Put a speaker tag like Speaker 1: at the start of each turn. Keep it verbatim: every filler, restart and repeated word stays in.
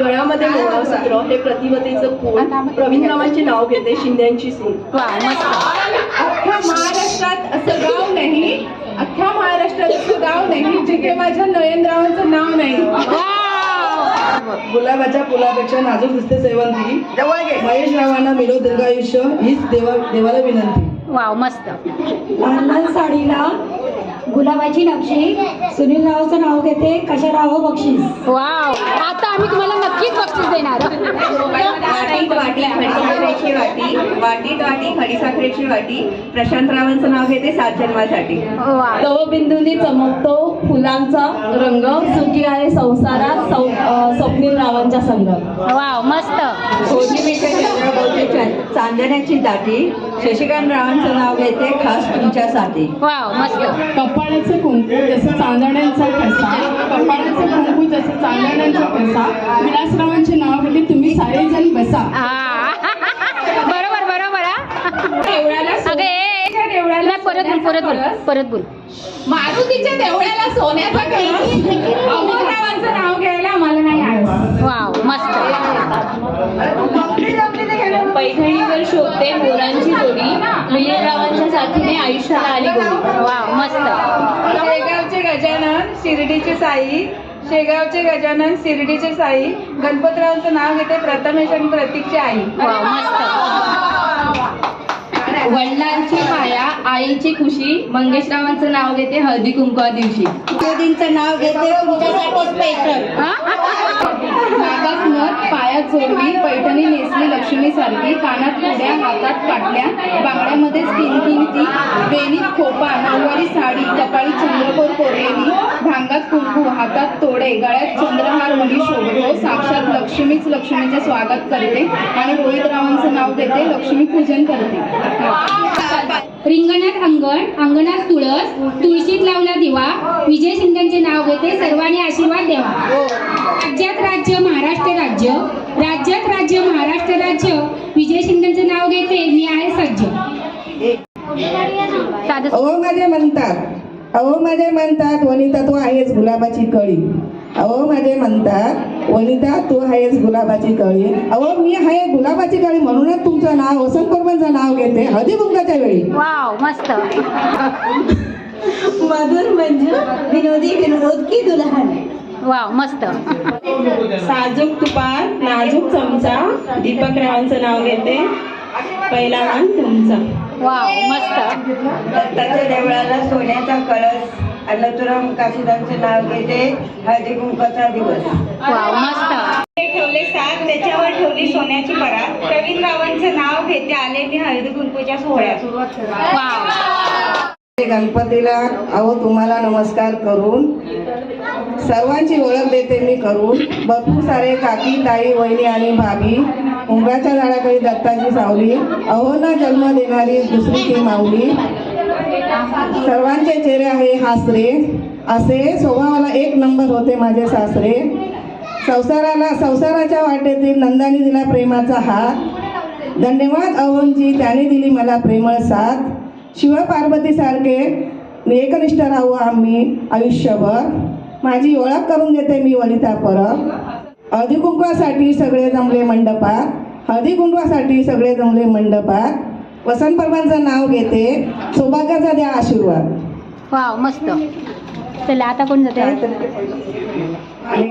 Speaker 1: गळ्यामध्ये मंगळसूत्र हे प्रतिमतेचं फूल प्रवीणरावांचे नाव घेते शिंद्यांची सून.
Speaker 2: अख्ख्या महाराष्ट्रात असं गाव नाही, अख्ख्या महाराष्ट्रात असं गाव नाही जिथे माझ्या नयनरावांचं नाव नाही.
Speaker 3: गुलाबाच्या फुलापेक्षा नाजूक दिसते सेवंती. महेश रावांना मिळो दीर्घायुष्य हीच देवा देवाला विनंती.
Speaker 4: वाव मस्त.
Speaker 5: लहान लहान साडीला गुलाबाची नक्षी सुनील रावचं नाव घेते कशा राव बक्षीस.
Speaker 4: वाव आता आम्ही तुम्हाला नक्कीच बक्षीस देणार.
Speaker 6: वाटीत वाटी खडीसाखरेची वाटी वाटीत वाटी खडीसाखरेची वाटी प्रशांतरावांचं नाव घेते सात जन्मासाठी.
Speaker 1: तवबिंदूंनी चमकतो फुलांचा रंग सुखी आहे संसारात स्वप्नील रावांच्या संघ.
Speaker 4: वाव मस्त.
Speaker 6: कोथिंबीरच्या चंद्रभाऊची चांदण्याची दाटी शशिकांत रावांचं नाव घेते खास तुमच्यासाठी.
Speaker 4: वाव मस्त.
Speaker 2: कपाळाचं कुंकू जसं चांदण्यांचा ठसा, कपाळाचं कुंकू जसं चांदण्यांचा ठसा विलासरावांचे नाव घेते तुम्ही सारेजण बसा.
Speaker 4: हा. बरोबर बरोबर हा.
Speaker 2: देवळाला
Speaker 4: अगे
Speaker 2: देवळाला
Speaker 4: नाही, परत बोल परत बोल परत बोल.
Speaker 2: मारुतीच्या देवळाला सोन्याचा कळस अमोलरावांचं नाव घ्यायला आम्हाला नाही आलं.
Speaker 4: वाव मस्त.
Speaker 1: पैठणीवर शोधते मोरांची जोडी मिलिंदरावांच्या साथीने आयुष्याला आली गोडी.
Speaker 4: वाव मस्त.
Speaker 2: शेगावचे गजानन शिर्डीचे साई शेगावचे गजानन शिर्डीचे साई गणपतरावांचं नाव घेते प्रथमेश आणि प्रतीकची आई.
Speaker 4: वाव मस्त.
Speaker 1: वडिलांची माया आईची खुशी मंगेशरावांचं नाव घेते हळदी कुंकवा दिवशी.
Speaker 5: मोदींचं नाव घेते तुमच्यासाठी स्पेशल.
Speaker 1: नागात नथ पायात जोडवी पैठणी नेसली लक्ष्मी सारखी कानात उड्या हातात पाटल्या बांगड्यामध्ये किंकिंती वेणीत खोपा नऊवारी साडी कपाळी चंद्रकोर कोरलेली भांगात कुंकू हातात तोडे गळ्यात चंद्रहार मुली शोभतो साक्षात लक्ष्मीच लक्ष्मीचे स्वागत करते आणि रोहितरावांचं नाव घेते लक्ष्मी पूजन करते.
Speaker 4: रिंगणात अंगण अंगणात तुळस तुळशीत लावला दिवा विजय शिंदेचे नाव घेते सर्वांनी आशीर्वाद द्यावा. राज्यात राज्य महाराष्ट्र राज्य राज्यात राज्य महाराष्ट्र राज्य विजय शिंदेचे नाव घेते मी आहे सज्ज.
Speaker 3: अहो माझे म्हणतात अहो माझे म्हणतात वनिता तू आहेस गुलाबाची कळी. अहो माझे म्हणतात वनिता तू आहेस गुलाबाची कळी. अहो मी आहे गुलाबाची कळी म्हणूनच तुमचं नाव वसंत कुर्बांचं नाव घेते हळदी कुंकाच्या वेळी.
Speaker 4: वाव मस्त.
Speaker 5: मधुर म्हणजे विनोदी विनोद की दुल्हन.
Speaker 4: वाव मस्त.
Speaker 1: साजूक तुपात नाजूक चमचा दीपक रावांचं नाव घेते पहिला मान तुमचा.
Speaker 4: वाव मस्त.
Speaker 6: दत्ताच्या देवळाला सोन्याचा कळस अनंतराम काशीदांचे नाव घेते हळदी कुंकाचा दिवस.
Speaker 4: वाव मस्त.
Speaker 6: ठेवले सात त्याच्यावर ठेवली सोन्याची परात प्रवीणरावांचं नाव घेते आले मी हळदी कुंकूच्या सोहळ्यात.
Speaker 4: वाव.
Speaker 3: गणपतीला अहो तुम्हाला नमस्कार करून सर्वांची ओळख देते मी करून. भरपूर सारे काकी ताई वहिनी आणि भाभी उंबराच्या झाडाखाली दत्ताची सावली अहो ना जन्म देणारी दुसरी ती माऊली. सर्वांचे चेहरे आहे हासरे असे स्वभावाला एक नंबर होते माझे सासरे. संसाराला संसाराच्या वाटेतील नंदानी दिला प्रेमाचा हात धन्यवाद अहोंजी त्याने दिली मला प्रेमळ साथ. शिव पार्वती सारखे एकनिष्ठ राहू आम्ही आयुष्यभर. माझी ओळख करून देते मी वनिता परब. हळदी कुंकवासाठी सगळे जमले मंडपात हळदी कुंकवासाठी सगळे जमले मंडपात. वसंत परबांचं नाव घेते सौभाग्याचा द्या आशीर्वाद.
Speaker 4: वाव मस्त. चला आता कोण जाते.